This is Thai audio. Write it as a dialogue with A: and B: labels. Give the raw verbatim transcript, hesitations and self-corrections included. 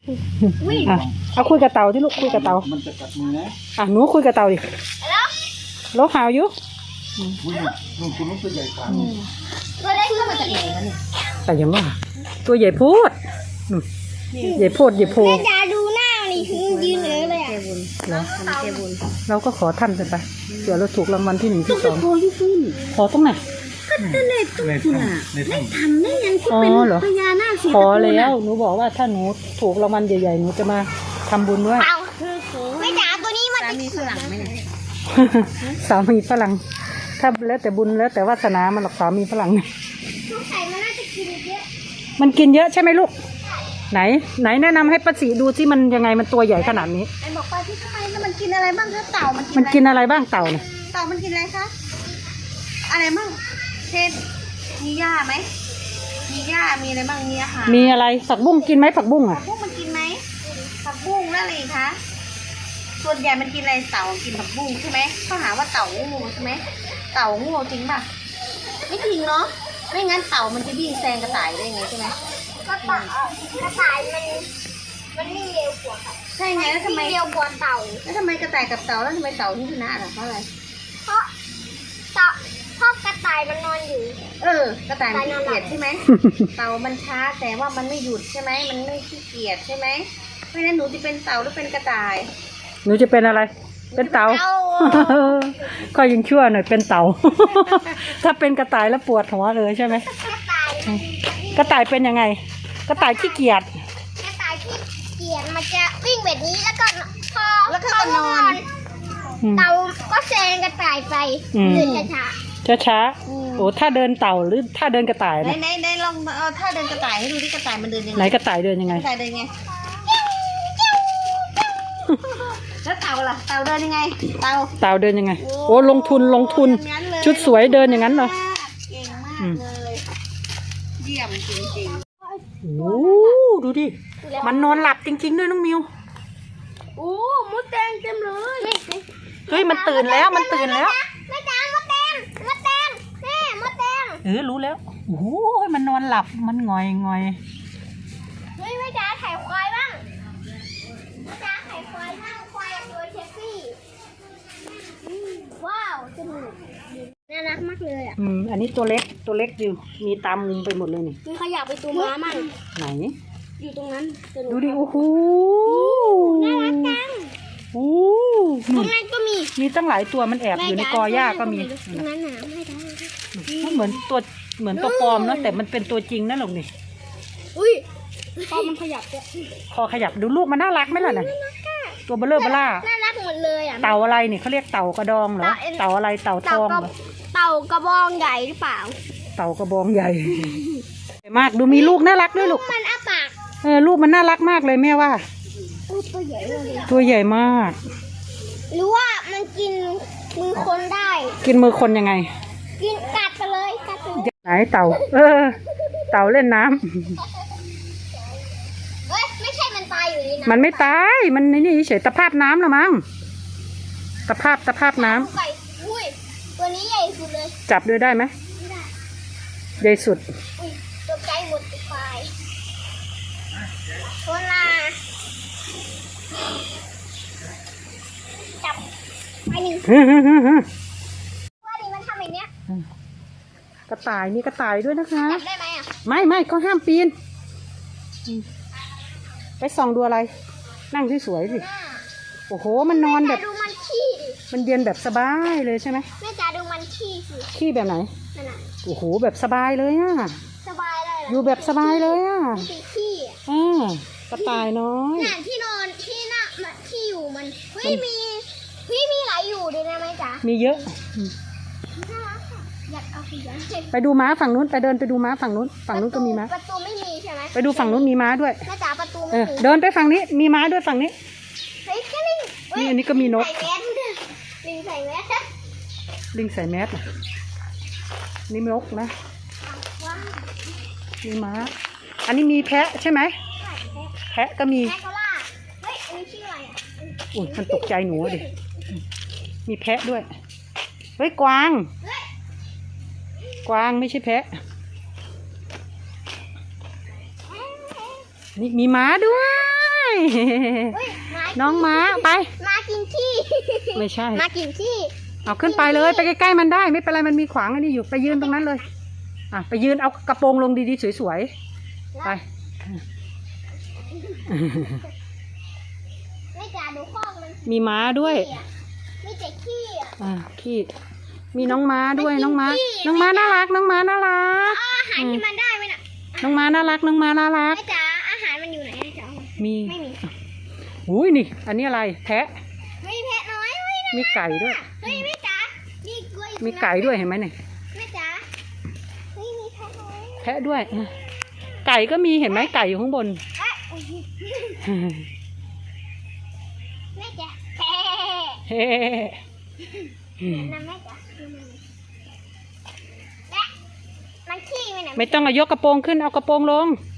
A: อ่ะเอาคุยกับเต่าที่ลูกคุยกับเต่ามันจะกัดมือนะอ่ะหนูคุยกับเต่าดิโลหาวอยู่ลุงคุณลุงตัวใหญ่กว่า
B: ตัวเล็กขึ้นมาจากไหนวะเนี่ย
A: แต่ยังว่าตัวใหญ่พูดใหญ่พูดใหญ่โพแม่
B: จ๋าดูหน้านี่คือยืนเลยเลยอ่ะ
A: เหรอเราก็ขอท่านไปเดี๋ยวเราถูกรางวัลที่หนึ่งที่สองขอตรงไหน
B: ก็เลยต้องคุณอ่ะไม่ทำได้ยังคุณเป็นพญานาคสี
A: ขอแล้วหนูบอกว่าถ้าหนูถูกรางวัลใหญ่ๆหนูจะมาทำบุญด้วย
B: ไม่จ๋าตัวนี้มันจะมีฝรั่งไหม
A: สามีฝรั่งถ้าแล้วแต่บุญแล้วแต่วาสนามันหรอกสามีฝรั่ง
B: สงสัยมันน่าจะกินเยอะ
A: มันกินเยอะใช่ไหมลูกไหนไหนแนะนำให้ป้าศรีดูที่มันยังไงมันตัวใหญ่ขนาดนี้
B: ไอ้บอกป้าที่ทำไมมันกินอะไรบ้างคะเต่ามัน
A: มันกินอะไรบ้างเต่าเนี่ย
B: เต่ามันกินอะไรคะอะไรบ้างเช่นมีหญ้าไหมมีหญ้ามีอะไรบ้างมีอาหาร
A: มีอะไรผักบุ้งกินไหมผักบุ้งอ่ะ
B: ผักบุ้งมันกินไหมผักบุ้งแล้วอะไรคะส่วนใหญ่มันกินอะไรเต่ากินผักบุ้งใช่ไหมเขาหาว่าเต่างูใช่ไหมเต่างูจริงป่ะไม่จริงเนาะไม่งั้นเต่ามันจะวิ่งแซงกระต่ายได้ไงใช่ไหมกระต่ายกระต่ายมันมันวิ่งเร็วกว่าใช่ไงแล้วทำไมเร็วกว่าเต่าแล้วทำไมกระต่ายกับเต่าแล้วทำไมเต่าที่ชนะล่ะเพราะอะไรเพราะเต่าเพราะกระต่ายมันนอนอยู่เออกระต่ายมันขี้เกียจใช่ไหมเต่ามันช้าแต่ว่ามันไม่หยุดใช่ไหมมันไม่ขี้เกียจใช่ไหมเพราะฉะนั้นหนูจะเป็นเต่าหรือเป็นกระต่าย
A: หนูจะเป็นอะไรเป็นเต่าก็ยังชั่วหน่อยเป็นเต่าถ้าเป็นกระต่ายแล้วปวดหัวเลยใช่ไหมกระต่ายเป็นยังไงกระต่ายขี้เกียจ
B: กระต่ายขี้เกียจมันจะวิ่งแบบนี้แล้วก็พอแล้วก็นอนเต่าก็แซงกระต่ายไปเดินช้า
A: ช้าช้าโอ้ถ้าเดินเต่าหรือถ้าเดินกระต่าย
B: นะไหนไหนลองเอาถ้าเดินกระต่ายให้ดูที่กระต่ายมันเดินยังไง
A: ไหนกระต่ายเดินยังไง
B: กระต่ายเดินยังไงแล้วเต่าล่ะเต่าเดินยังไงเต่า
A: เต่าเดินยังไงโอ้ลงทุนลงทุนชุดสวยเดินอย่างนั้นเหรอ
B: เก่งมากเลยเยี่ยมจริง
A: ๆโอ้ดูดิมันนอนหลับจริงๆด้วยน้องมิว
B: โอ้มดแดงเต็มเลย
A: เฮ้ยมันตื่นแล้วมันตื่นแล้ว
B: แม่จ๋ามดแดงมดแดงแม่มดแดง
A: เออรู้แล้วโอ้ยมันนอนหลับมันงอยงอย
B: เฮ้ยแม่จ๋าถ่ายควายบ้างแม่จ๋าถ่ายควายนั่งควายตัวเชฟฟี่ว้าวสนุกน่ารักมากเลยอ่ะ
A: อืมอันนี้ตัวเล็กตัวเล็กอยู่มีตามุมไปหมดเลยนี่
B: มีขยับไปตัวม้ามั่ง
A: ไหน
B: อยู่ตรงนั้น
A: ดูดิโอ้โห
B: น่ารักจัง
A: โอ้
B: ตรงนั้นก็มี
A: มีตั้งหลายตัวมันแอบอยู่ในกอหญ้าก็มี
B: ตรงนั้นหนาไม่ได้
A: มันเหมือนตัวเหมือนตัวปลอมนะแต่มันเป็นตัวจริงนะหลงนี่
B: อุ้ยคอมันขยับด้วย
A: คอขยับดูลูกมันน่ารักไหมล่ะเนี่ยตัวเบลเลอร์เบล่า
B: น่ารักหมดเลยอ่ะ
A: เต่าอะไรเนี่ยเขาเรียกเต่ากระดองเหรอเต่าอะไรเต่าทองเหรอ
B: เต่ากระบองใหญ่หรือเปล่า
A: เต่ากระบองใหญ่มากดูมีลูกน่ารักด้วยลูก
B: มันอ้าปาก
A: เออลูกมันน่ารักมากเลยแม่ว่า
B: ตัวใหญ่เลย
A: ตัวใหญ่มาก
B: หรือว่ามันกินมือคนได้
A: กินมือคนยังไง
B: กินกัดไปเลยกัดไปเลย
A: ไหนเต่าเออเต่าเล่นน้ำ
B: เฮ้ยไม่ใช่มันตายอยู่นี่นะ
A: มันไม่ตายมันนี่เฉยตะภาพน้ำละมั้งตะภาพตะภาพน้ำ
B: อุ้ยตัวนี้ใหญ่สุดเลย
A: จับด้วยได้ไหม
B: ไม่ได้
A: ใหญ่สุด
B: อุ้ยตกใจหมดทุกฝ่ายตัวลาจับไปหนึ่งว่าดิมันทำอย่างเนี้ย
A: กระต่ายมีกระต่ายด้วยนะคะ
B: จับได้ไหมอ่ะ
A: ไม่ไม่ก็ห้ามปีนไปส่องดูอะไรนั่งที่สวยสิโอ้โหมันนอนแบบ
B: ดูมันขี้ดิ
A: มันเย็นแบบสบายเลยใช่ไหม
B: แม่จ๋าดูมันขี้สิ
A: ขี้แบบไหน
B: นั่นน่ะ
A: โอ้โหแบบสบายเลยอ่ะ
B: สบายเลย
A: อยู่แบบสบายเลยอ่ะ
B: ขี้
A: อ่ากระต่ายน้อย
B: น่ะที่นอนที่น่ะที่อยู่มันเฮ้ยมีเฮ้ยมีหลายอยู่ด้วยนะแม่จ๋า
A: มีเยอะ
B: น่ารักค่ะอยากเอาไปเยอะ
A: ไปดูม้าฝั่งนู้นไปเดินไปดูม้าฝั่งนู้นฝั่งนู้นก็มีม้า
B: ประตูไม่มีใช่ไหม
A: ไปดูฝั่งนู้นมีม้าด้วย
B: แม่จ๋าประตูไม่มี
A: เดินไปฝั่งนี้มีม้าด้วยฝั่งนี้
B: เฮ้ยลิง
A: นี่อันนี้ก็มีนก
B: ลิงใส่แมส
A: ลิงใส่แมสนี่นกนะมีม้าอันนี้มีแพะใช่ไหมแพะก็มี
B: แพะโคล่าเฮ้ยอันนี้ชื่ออะไรอ่ะ
A: อุ้ยมันตกใจหนูดิมีแพะด้วยเฮ้ยกวางกวางไม่ใช่แพะนี่มีม้าด้วย
B: เฮ้ยม้า
A: น้องม้าไป
B: มากินขี้
A: ไม่ใช่
B: มากินขี้
A: เอาขึ้นไปเลยไปใกล้ๆมันได้ไม่เป็นไรมันมีขวางอันนี้อยู่ไปยืนตรงนั้นเลยอ่ะไปยืนเอากระโปรงลงดีๆสวยๆไป
B: ไม่จ่าดูคอกมัน
A: มีม้าด้วย
B: มีแต่ขี้อ่ะ
A: อ่าขี้มีน้องม้าด้วย
B: มันกิน
A: น้องม้า
B: ขี้
A: น้องม้าน่ารักน้องม้าน่ารัก
B: เอาอาหารที่มันได้ไหมน่ะ
A: น้องม้าน่ารักน้องม้าน่ารัก
B: แม่จ๋าอาหารมันอยู่ไหนนะจ๊ะ
A: มี
B: ไม่มี
A: อุ้ยนี่อันนี้อะไรแพะ
B: ไม่มีแพะน้อยเฮ้ยนะ
A: มีไก่ด้วย
B: เฮ้ยแม่จ๋ามีกล้วย
A: มีไก่ด้วยเห็นไหมเนี่ย
B: แม่จ๋าเฮ้ยมีแพะน้อย
A: แพะด้วยอ่ะไก่ก็มีเห็นไหมไก่อยู่ข้างบน
B: เอ๊ะอุ๊ยแม่จ๋าแพะ
A: เฮ้
B: นั่นแม่จ๋าแม่มันขี้ไหมน่ะ
A: ไม่ต้องเอายกกระโปรงขึ้นเอากระโปรงลง
B: เ